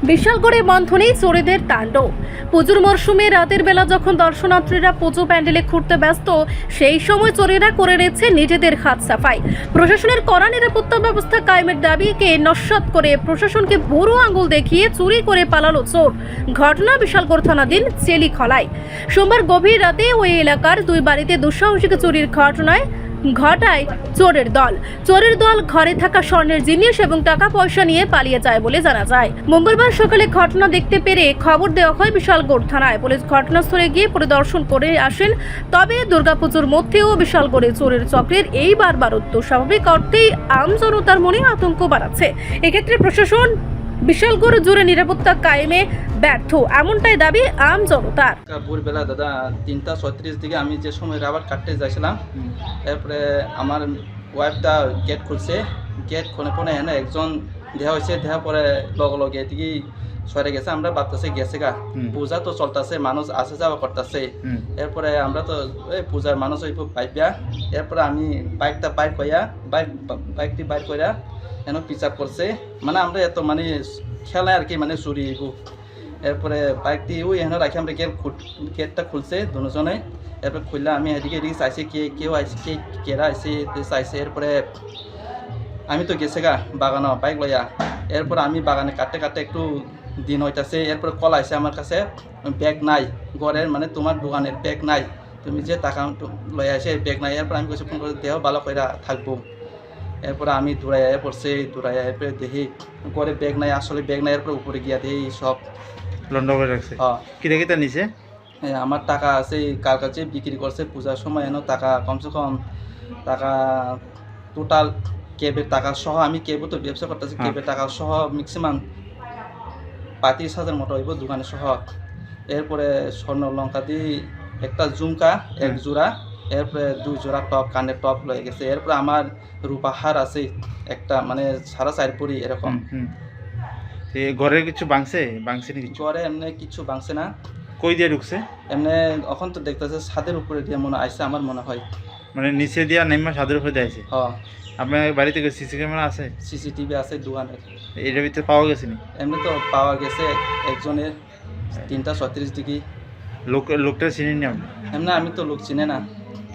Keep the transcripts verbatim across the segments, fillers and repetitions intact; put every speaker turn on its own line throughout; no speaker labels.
বিশালগড়ে বন্ধনে চোরেদের তাণ্ডব। পুজোর মরশুমে রাতের বেলা যখন দর্শনার্থীরা পুজো প্যান্ডেলে ঘুরতে ব্যস্ত, সেই সময় চোরেরা করে নিচ্ছে নিজেদের হাত সাফাই। প্রশাসনের কড়া নিরাপত্তা ব্যবস্থা কায়েমের দাবিকে নস্যাৎ করে প্রশাসনকে বুড়ো আঙুল দেখিয়ে চুরি করে পালালো চোর। ঘটনা বিশালগড় থানাধীন চেলিখলায়। সোমবার গভীর রাতে ওই এলাকার দুই বাড়িতে দুঃসাহসিক চুরির ঘটনায় ঘটায় চোরের দল। চোরের দল ঘরে থাকা স্বর্ণের জিনিস এবং টাকা পয়সা নিয়ে পালিয়ে যায় বলে জানা যায়। মঙ্গলবার সকালে ঘটনা দেখতে পেরে খবর দেওয়া হয় বিশালগড় থানায়। পুলিশ ঘটনাস্থলে গিয়ে পরিদর্শন করে আসেন। তবে দুর্গাপুজোর মধ্যেও বিশালগড়ে চোরের চক্রের এই বারবারত্ব স্বাভাবিক অর্থেই আম জনতার মনে আতঙ্ক বাড়াচ্ছে। এক্ষেত্রে প্রশাসন বিশালগড় জুড়ে নিরাপত্তা কায়েমে ব্যর্থ, এমনটাই দাবি আম জনতার।
ভোরবেলা দাদা তিনটা ছত্রিশ দিকে আমি যে সময় রাবার কাটতে যাচ্ছিলাম, এরপরে আমার ওয়াইফটা গেট খুলছে। গেট খুলে পরে এনে একজন দেহা হয়েছে, দেহা পরে লগে লগে এদিকে সরে গেছে। আমরা ভাবতেছে গেছে গা, পূজা তো চলতেছে, মানুষ আসে যাওয়া করতেছে। এরপরে আমরা তো ওই পূজার মানুষ ওই পাইপিয়া। এরপরে আমি বাইকটা বাইর করিয়া বাইক বাইকটি বাইর করিয়া এন পিচাপ করছে। মানে আমরা এত মানে খেলায় আর কি, মানে চুরি। এরপরে বাইকটি ওই এখানে রাখি আমরা গেট গেটটা খুলছে দুজনে। এরপরে খুললে আমি এদিকে এদিকে চাইছি কে কেউ আইসে, কে কেরা আইসে চাইছে। এরপরে আমি তো গেছে গা বাগানো বাইক লইয়া। এরপরে আমি বাগানে কাটতে কাটতে একটু দিন হইতাছে। এরপরে কল আইসে আমার কাছে, ব্যাগ নাই ঘরের, মানে তোমার দোকানের ব্যাগ নাই, তুমি যে টাকা লই আসে ব্যাগ নাই। এরপর আমি কিছু ফোন করে দেহ ভালো করে থাকবো। এরপরে আমি দৌড়াইয়া পড়ছে, দৌড়াইয়া এরপরে দেখি ঘরে ব্যাগ নাই, আসলে ব্যাগ নাই। এরপরে উপরে গিয়া দেখি সব
লন্ড করে রাখছে।
হ্যাঁ,
কিটা কিটা নিছে?
আমার টাকা আছে কার কাছে বিক্রি করছে পূজার সময়। এনে টাকা কমসে কম টাকা টোটাল ক্যাবের টাকা সহ, আমি ক্যাবও তো ব্যবসা করতেছি, ক্যাবের টাকা সহ ম্যাক্সিমাম পঁয়ত্রিশ হাজার মতো হইব দোকানে সহ। এরপরে স্বর্ণ লঙ্কা দিয়ে একটা ঝুমকা এক জোড়া, এরপরে দুই জোড়া টপ, কানের টপ লয়ে গেছে। এরপরে আমার রূপা হার আছে একটা, মানে সারা চার পরি এরকম।
ঘরে কিছু ভাঙছে ভাঙছে না? কিছু
ঘরে এমনি কিছু ভাঙছে না।
কই দিয়ে ঢুকছে?
এমনি এখন তো দেখতেছে ছাদের উপরে দিয়ে মনে আইসে আমার মনে হয়।
মানে নিচে দিয়া নেমা ছাদের উপরে দিয়ে আইছে?
হ্যাঁ।
আপনার বাড়িতে সিসি ক্যামেরা আছে?
সিসিটিভি আছে দোকানের।
এটার ভিতরে পাওয়া গেছে নি?
এমনি তো পাওয়া গেছে একজনের তিনটা ছত্রিশ দিকে।
লোক লোকটা চিনি নি আপনি?
এমনি আমি তো লোক চিনে না।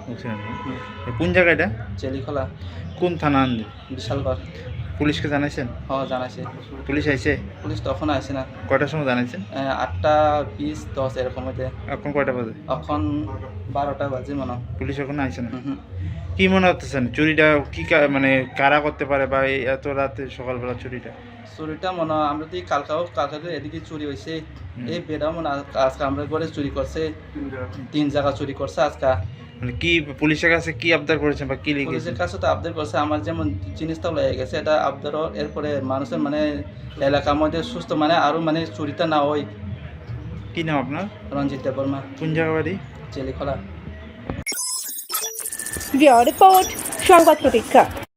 কোন জায়গাটা?
চেলিখলা।
কোন থানা আনবে?
বিশালগড়।
পুলিশকে জানাইছেন?
হ্যাঁ জানাইছে।
পুলিশ আইছে?
পুলিশ তখন আসে না।
কয়টার সময় জানাইছেন?
আটটা বিশ দশ এরকম হইতে।
এখন কয়টা বাজে?
এখন বারোটা বাজে মনে হয়।
পুলিশ এখন আইছে না?
হুম।
কি মনে হতেছেন চুরিটা কি মানে কারা করতে পারে, বা এই এত রাতে সকালবেলা চুরিটা?
চুরিটা মনে হয় আমরা তো কালকাও কালকা এদিকে চুরি হয়েছে। এই বেড়াও মনে আজকে আমরা ঘরে চুরি করছে, তিন জায়গা চুরি করছে আজকে।
মানে কি পুলিশের কাছে কি আবদার করেছেন বা কি লিখেছেন?
পুলিশের কাছে তো আবদার করছে আমার যেমন জিনিসটা লেগে গেছে এটা আবদারও। এরপরে মানুষের মানে এলাকার মধ্যে সুস্থ মানে আরো মানে চুরিটা না হয়।
কি নাম আপনার?
রঞ্জিত দেববর্মা।
কোন জায়গা বাড়ি?
চেলিখলা।
রিপোর্ট সংবাদ প্রতীক্ষা।